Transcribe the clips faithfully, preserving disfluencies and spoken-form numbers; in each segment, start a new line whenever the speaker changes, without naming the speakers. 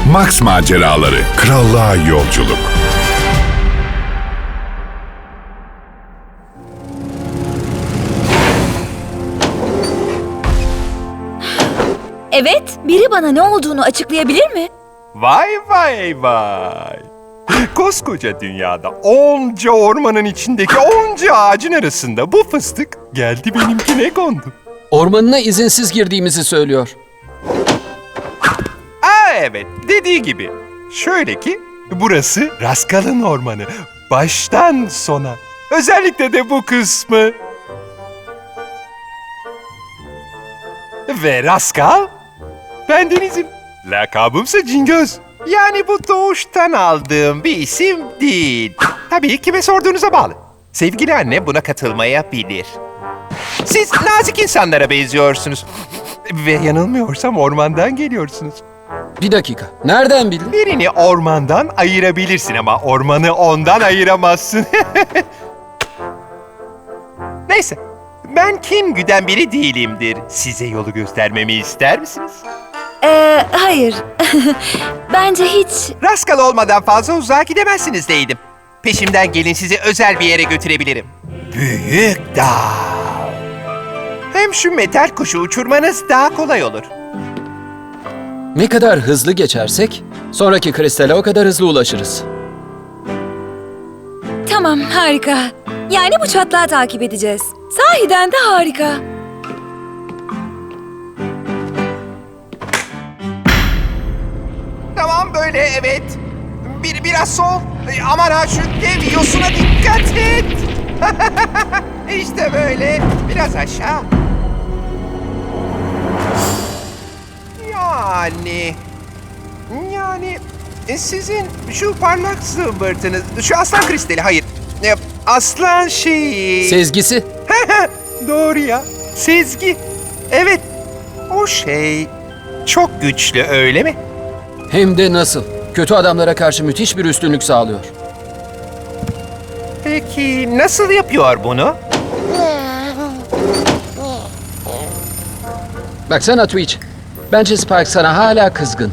Max Maceraları, Krallığa Yolculuk.
Evet, biri bana ne olduğunu açıklayabilir mi?
Vay vay vay. Koskoca dünyada onca ormanın içindeki onca ağacın arasında bu fıstık geldi benimkine kondu.
Ormanına izinsiz girdiğimizi söylüyor.
Aa evet, dediği gibi. Şöyle ki, burası Rascal'ın ormanı. Baştan sona. Özellikle de bu kısmı. Ve Rascal, bendenizim. Lakabımsa Cingöz. Yani bu doğuştan aldığım bir isim değil. Tabii kime sorduğunuza bağlı. Sevgili anne buna katılmayabilir. Siz nazik insanlara benziyorsunuz. Ve yanılmıyorsam ormandan geliyorsunuz.
Bir dakika. Nereden bildin?
Birini ormandan ayırabilirsin ama ormanı ondan ayıramazsın. Neyse, ben kin güden biri değilimdir. Size yolu göstermemi ister misiniz?
Ee, hayır. Bence hiç...
Rascal olmadan fazla uzağa gidemezsiniz deydim. Peşimden gelin, sizi özel bir yere götürebilirim. Büyük dağ. Hem şu metal kuşu uçurmanız daha kolay olur.
Ne kadar hızlı geçersek, sonraki kristale o kadar hızlı ulaşırız.
Tamam, harika. Yani bu çatlağı takip edeceğiz. Sahiden de harika.
Tamam böyle, evet. Bir, biraz sol. Ay, aman ha, şu dev yosuna dikkat et. İşte böyle. Biraz aşağı. Yani... Yani... e, Sizin şu parlak zımbırtınız... Şu aslan kristali, hayır. E, Aslan şeyi...
Sezgisi.
Doğru ya. Sezgi. Evet. O şey... Çok güçlü, öyle mi?
Hem de nasıl? Kötü adamlara karşı müthiş bir üstünlük sağlıyor.
Peki nasıl yapıyor bunu?
Baksana Twitch. Bence Spike sana hala kızgın.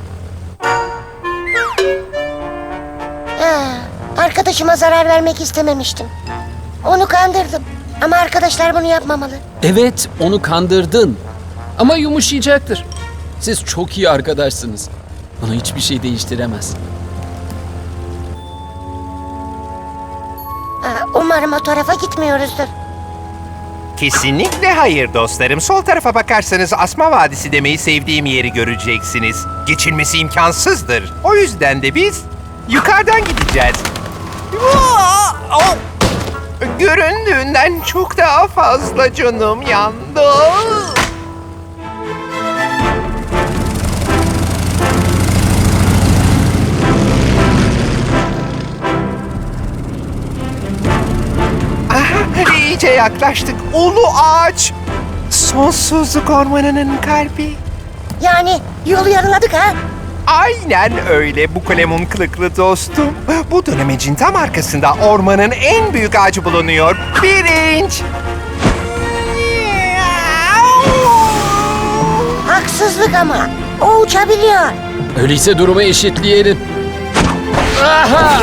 Ha, arkadaşıma zarar vermek istememiştim. Onu kandırdım. Ama arkadaşlar bunu yapmamalı.
Evet, onu kandırdın. Ama yumuşayacaktır. Siz çok iyi arkadaşsınız. Bunu hiçbir şey değiştiremez.
Ha, umarım o tarafa gitmiyoruzdur.
Kesinlikle hayır dostlarım. Sol tarafa bakarsanız Asma Vadisi demeyi sevdiğim yeri göreceksiniz. Geçilmesi imkansızdır. O yüzden de biz yukarıdan gideceğiz. Aa! Oh! Göründüğünden çok daha fazla canım yandı. Aha, iyice yaklaştık. Ulu ağaç. Sonsuzluk ormanının kalbi.
Yani yolu yarıladık ha?
Aynen öyle bu kalemun kılıklı dostum. Bu dönemecin tam arkasında ormanın en büyük ağacı bulunuyor. Bir inç.
Haksızlık ama. O uçabiliyor.
Öyleyse durumu eşitleyelim. Aha!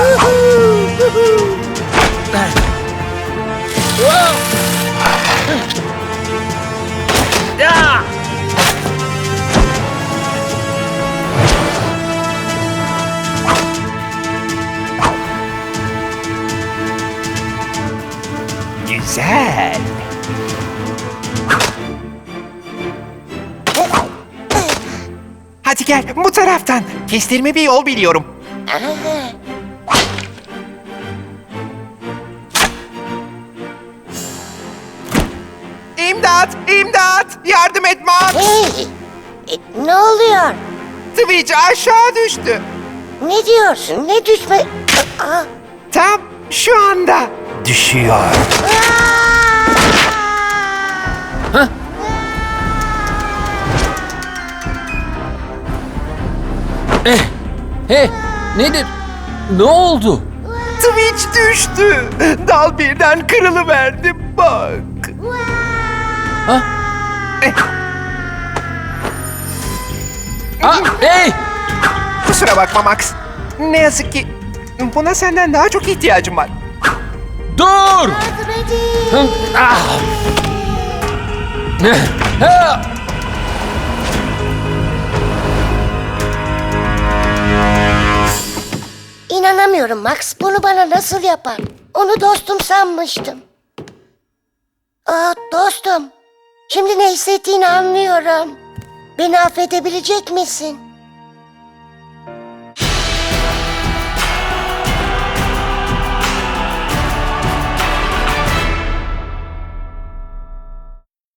Ah!
Güzel. Hadi gel bu taraftan. Kestirme bir yol biliyorum. İmdat! İmdat! Yardım et Max!
Hey, e, ne oluyor?
Twitch aşağı düştü.
Ne diyorsun? Ne düşme... Aa,
Tam şu anda düşüyor.
Eh! Hey! Nedir? Ne oldu?
Twitch düştü. Dal birden kırılıverdi bak.
Ha?
Eh,
Ah! Hey!
Kusura bakma Max. Ne yazık ki buna senden daha çok ihtiyacım var.
Dur!
Yardım edin.
Hı, ah! Ha!
İnanamıyorum Max. Bunu bana nasıl yapar? Onu dostum sanmıştım. Aa, dostum. Şimdi ne hissettiğini anlıyorum. Beni affedebilecek misin?